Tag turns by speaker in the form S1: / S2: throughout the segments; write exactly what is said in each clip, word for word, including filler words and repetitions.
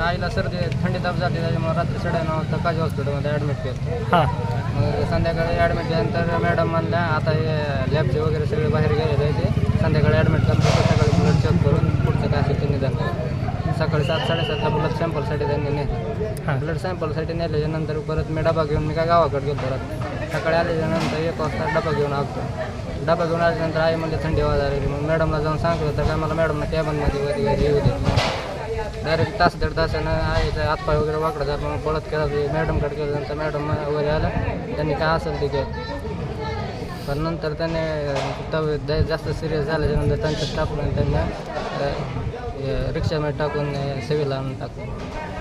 S1: आईला सर्दी थंडी ताप जाते त्याच्यामुळे रात्री साडेनऊ वाजता काजी हॉस्पिटलमध्ये ॲडमिट केलं.
S2: हां
S1: मग संध्याकाळी ॲडमिट केल्यानंतर मॅडम म्हणल्या आता हे लॅबचे वगैरे सगळे बाहेर गेलेले आहे ते संध्याकाळी ॲडमिट करून सकाळी ब्लड चेक करून पुढचं काय असेल ते निदान करू. सकाळी सात साडेसातला ब्लड सॅम्पलसाठी त्यांनी नेलं. ब्लड सॅम्पलसाठी नेल्याच्यानंतर परत मी डबा घेऊन मी काय गावाकडे गेलो परत. सकाळी आल्याच्यानंतर एक वाजता डबा घेऊन आलो. डबा घेऊन आल्यानंतर आई म्हणजे थंडी वाजायला मग मॅडमला जाऊन सांगितलं तर काय मला मॅडमला कॅबनमध्ये वरी घरी येऊ दे. डायरेक्ट तास दीड तासानं आईचं हातपाय वगैरे वाकडं जात मग पळत केलं मॅडमकडे केल्यानंतर मॅडम वगैरे आलं त्यांनी काय असेल ते केलं. पण नंतर त्याने तब्येत जास्त सिरियस झाल्याच्यानंतर त्यांचं स्टाफला त्यांना रिक्षामध्ये टाकून सिव्हिल आणून टाकून.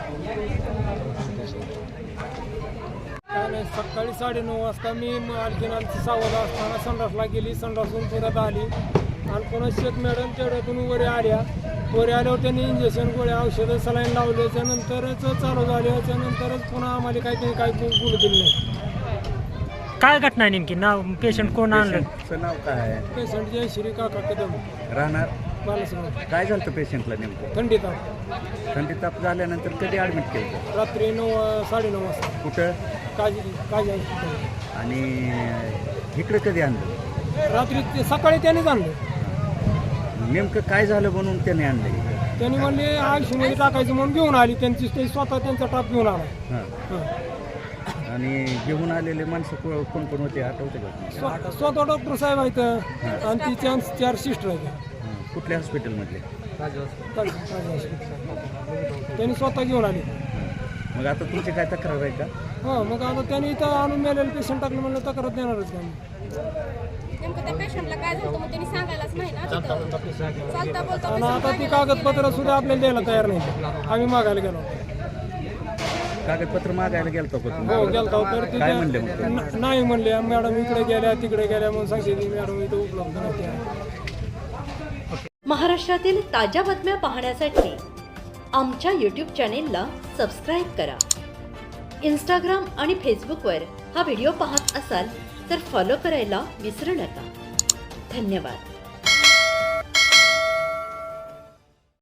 S3: आणि सकाळी साडेनऊ वाजता मी आणखीन आमची सावधा असताना संडासला गेली. संडासून परत आली आणि पुन्हा शेत मॅडम तेवढ्यातून वरे आल्या. वरे आल्यावर त्यांनी इंजेक्शन गोळ्या औषधं सलाईन लावले. त्यानंतरच चालू झाले. त्यानंतरच पुन्हा आम्हाला काही काही बोलू दिलं नाही.
S2: काय घटना आहे नेमकी? नाव पेशंट कोण आणलं?
S4: पेशंटचं नाव काय आहे?
S3: पेशंट जय श्री काका कदम
S4: राहणार
S3: बालासंग.
S4: काय झालं होतं पेशंटला नेमकं?
S3: थंडी ताप.
S4: थंडी ताप झाल्यानंतर कधी ॲडमिट केलं?
S3: रात्री नऊ साडेनऊ वाजता
S4: कुठं?
S3: काजी काजी हॉस्पिटल.
S4: आणि इकडे कधी आणलं?
S3: रात्री ते सकाळी त्यांनीच आणलं.
S4: नेमकं काय झालं म्हणून त्याने आणलं?
S3: त्यांनी म्हणले आयुष्यमध्ये टाकायचं म्हणून घेऊन आली. त्यांची ते स्वतः त्यांचा टाप घेऊन आला.
S4: हां.
S3: हां.
S4: आणि घेऊन आलेले माणसं को- कोण कोण होते आठवते का?
S3: स्व- स्वतः डॉक्टर साहेब आहेत आणि ती चार चार सिस्टर आहेत.
S4: हां. कुठल्या हॉस्पिटलमधले?
S1: काजी हॉस्पिटल.
S3: काजी हॉस्पिटल. त्यांनी स्वतः घेऊन आली.
S4: मग आता तुमची काय तक्रार आहे का?
S3: हो मग आता त्यांनी इथं आणून मेलेलं पेशंट टाकलं म्हणलं तक्रार देणारच त्यांनी.
S5: नेमकं त्या पेशंटला काय झालं मग त्यांनी सांगायलाच नाही ना तिथं. चालता बोलता
S3: आणि आता ती कागदपत्र सुद्धा आपल्याला द्यायला तयार नाही. आम्ही मागायला गेलो.
S4: कागदपत्र मागायला गेलतो का
S3: हो
S4: तुम्ही?
S3: गेलतो तर ते
S4: काय म्हणले मग ते?
S3: न- नाही म्हणले मॅडम इकडे गेल्या तिकडे गेल्या म्हणून सांगते ती मॅडम इथं उपलब्ध नाही.
S6: महाराष्ट्रातील ताज्या बातम्या पाहण्यासाठी आमच्या यूट्यूब चॅनेलला सबस्क्राईब करा. इंस्टाग्राम आणि फेसबुकवर हा व्हिडिओ पाहत असाल तर फॉलो करायला विसरू नका. धन्यवाद.